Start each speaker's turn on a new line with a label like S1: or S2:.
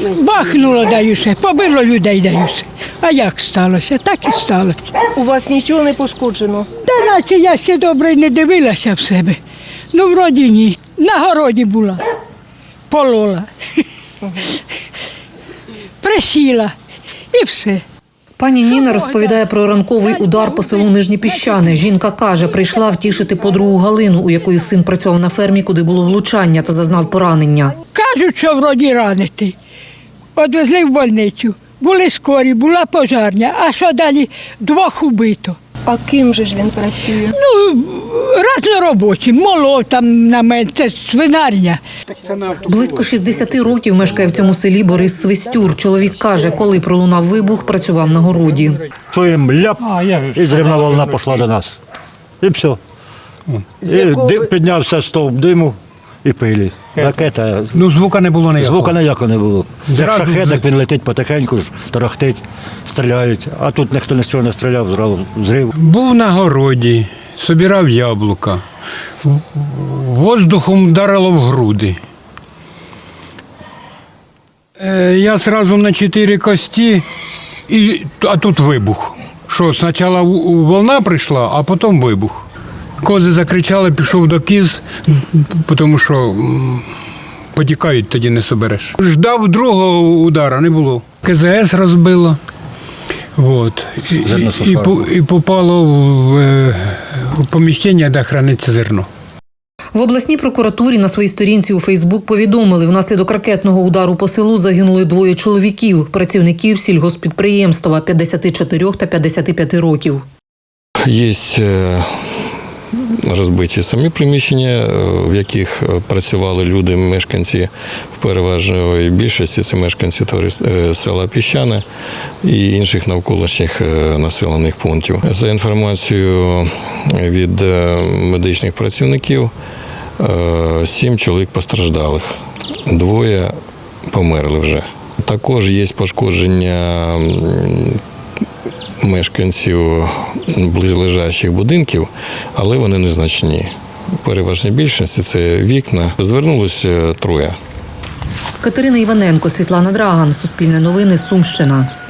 S1: Бахнуло, даю все, побило людей, даю все. А як сталося? Так і сталося.
S2: У вас нічого не пошкоджено?
S1: Та наче я ще добре й не дивилася в себе. Ну, вроді ні. На городі була. Полола. Присіла. І все.
S3: Пані Ніна розповідає про ранковий удар по селу Нижні Піщани. Жінка каже, прийшла втішити подругу Галину, у якої син працював на фермі, куди було влучання та зазнав поранення.
S1: Кажуть, що вроді ранити. Одвезли в больницю. Були скорі, була пожарня. А що далі? 2 убито.
S2: А ким же ж він працює?
S1: Ну, разноробочі, молов там на мене, це свинарня.
S3: Близько 60 років мешкає в цьому селі Борис Свистюр. Чоловік каже, коли пролунав вибух, працював на городі.
S4: Чуємо ляп, і зривна волна пішла до нас. І все. І піднявся стовп диму і пилі. Ракета.
S5: Ну, звука не було ніякого.
S4: Звука ніякого не було. Як
S5: Зразу
S4: шахедок, він летить потихеньку, торохтить, стріляють. А тут ніхто ні з чого не стріляв, зразу зрив.
S5: Був на городі, собирав яблука. Воздухом вдарило в груди. Я одразу на 4 кості, а тут вибух. Що, спочатку волна прийшла, а потім вибух. Кози закричали, пішов до кіз, тому що потікають, тоді не собереш. Ждав другого удара, не було. КЗС розбило. Вот. І попало в поміщення, де храниться зерно.
S3: В обласній прокуратурі на своїй сторінці у Фейсбук повідомили, внаслідок ракетного удару по селу загинули 2 чоловіків, працівників сільгосппідприємства 54 та 55 років.
S6: Є розбиті самі приміщення, в яких працювали люди, мешканці в переважної більшості, це мешканці села Піщани і інших навколишніх населених пунктів. За інформацією від медичних працівників, 7 чоловік постраждалих, 2 померли вже. Також є пошкодження мешканців близлежащих будинків, але вони незначні. В переважній більшості це вікна. Звернулося 3.
S3: Катерина Іваненко, Світлана Драган, Суспільне новини, Сумщина.